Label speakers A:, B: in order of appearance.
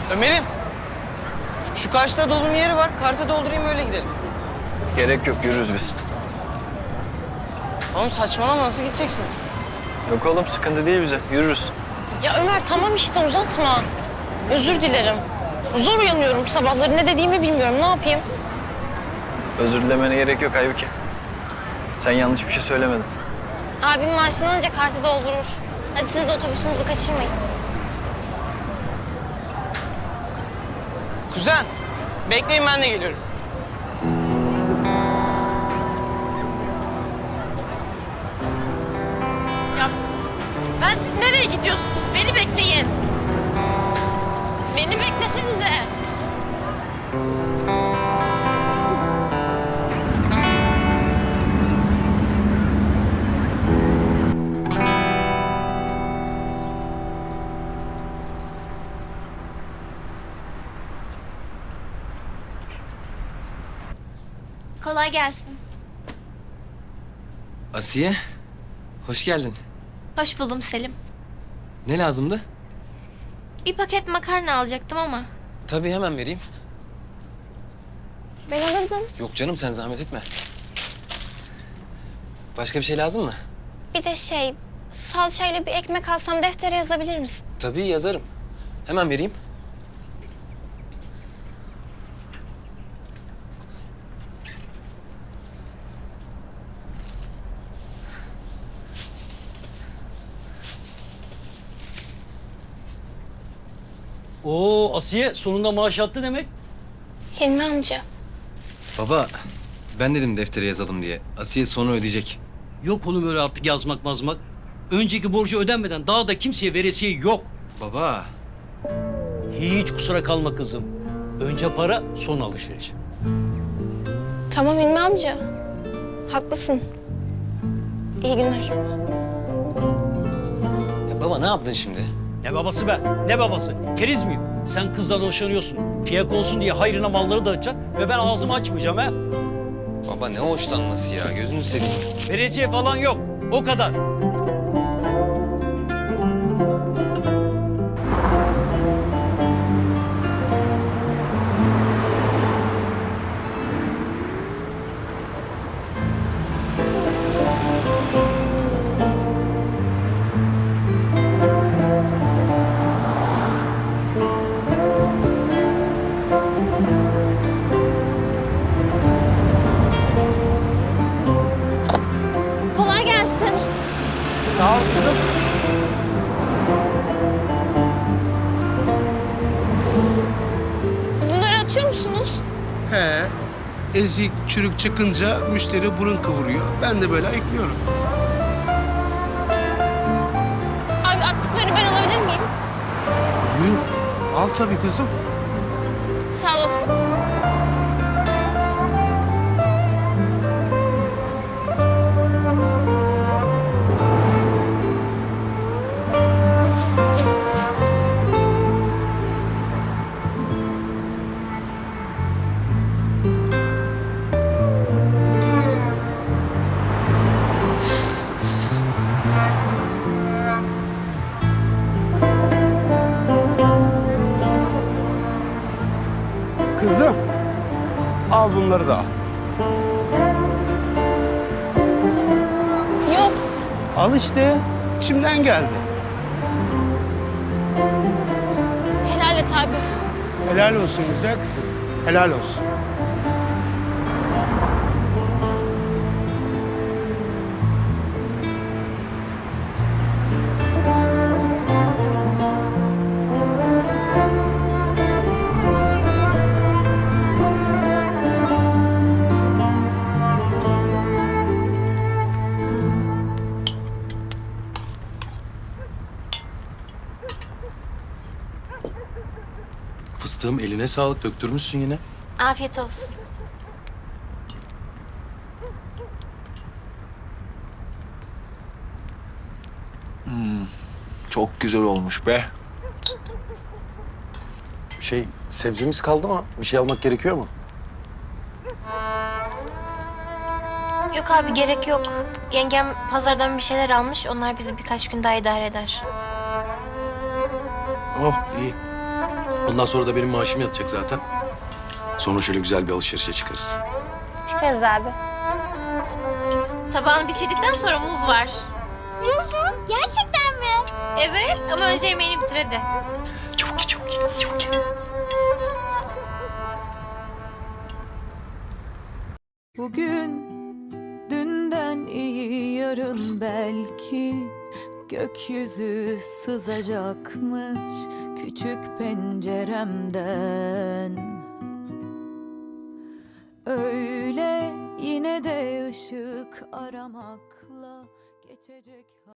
A: Ömer'im, şu karşıda dolum yeri var. Karta doldurayım öyle gidelim.
B: Gerek yok, yürürüz biz.
A: Oğlum saçmalama, nasıl gideceksiniz?
B: Yok oğlum, sıkıntı değil bize. Yürürüz.
C: Ya Ömer tamam işte uzatma. Özür dilerim. Zor uyanıyorum sabahları, ne dediğimi bilmiyorum. Ne yapayım?
B: Özür dilemene gerek yok Aybüke. Sen yanlış bir şey söylemedin.
C: Abim maaşını alınca kartı doldurur. Hadi siz de otobüsünüzü kaçırmayın.
A: Kuzen, bekleyin ben de geliyorum.
C: Ya ben siz nereye gidiyorsunuz? Beni bekleyin. Beni beklesenize.
D: Kolay gelsin.
E: Asiye, hoş geldin.
D: Hoş buldum Selim.
E: Ne lazımdı?
D: Bir paket makarna alacaktım ama.
E: Tabii hemen vereyim.
D: Ben alırdım.
E: Yok canım sen zahmet etme. Başka bir şey lazım mı?
D: Bir de salçayla bir ekmek alsam deftere yazabilir misin?
E: Tabii yazarım. Hemen vereyim.
F: Oo Asiye sonunda maaş yattı demek.
D: Hilmi amca.
E: Baba, ben dedim deftere yazalım diye. Asiye sonu ödeyecek.
F: Yok oğlum öyle artık yazmak mazmak. Önceki borcu ödenmeden daha da kimseye veresiye yok.
E: Baba,
F: Hiç kusura kalma kızım. Önce para, son alışveriş.
D: Tamam Hilmi amca. Haklısın. İyi günler.
E: ya baba ne yaptın şimdi?
F: Ne babası be? Ne babası? Keriz miyim? Sen kızdan hoşlanıyorsun. Fiyak olsun diye hayrına malları dağıtacaksın ve ben ağzımı açmayacağım ha.
E: Baba ne hoşlanması ya, gözünü seveyim.
F: Veresiye falan yok. O kadar.
D: Kolay gelsin.
A: Sağ ol kızım.
D: Bunları atıyor musunuz?
G: He. Ezik, çürük çıkınca müşteri burun kıvırıyor. Ben de böyle ayıklıyorum.
D: Abi attıklarını ben alabilir miyim?
G: Buyur. Al tabii kızım.
D: Sağ olasın.
G: Kızım. Al bunları da al.
D: Yok.
G: Al işte. İçimden geldi.
D: Helal et abi.
G: Helal olsun güzel kızım. Helal olsun.
H: Fıstığım eline sağlık, döktürmüşsün yine.
D: Afiyet olsun.
H: Çok güzel olmuş be. Sebzemiz kaldı mı? Bir şey almak gerekiyor mu?
D: Yok abi gerek yok. Yengem pazardan bir şeyler almış. Onlar bizi birkaç gün daha idare eder.
H: Oh iyi. Ondan sonra da benim maaşım yatacak zaten. Sonra şöyle güzel bir alışverişe çıkarız.
D: Çıkarız abi. Tabağını bitirdikten sonra muz var. Muz mu? Gerçekten mi? Evet ama önce yemeğini bitir hadi.
H: Çabuk ye, çabuk ye, çabuk ye.
I: Bugün dünden iyi yarın belki gökyüzü sızacakmış küçük penceremden. Öyle yine de ışık aramakla geçecek.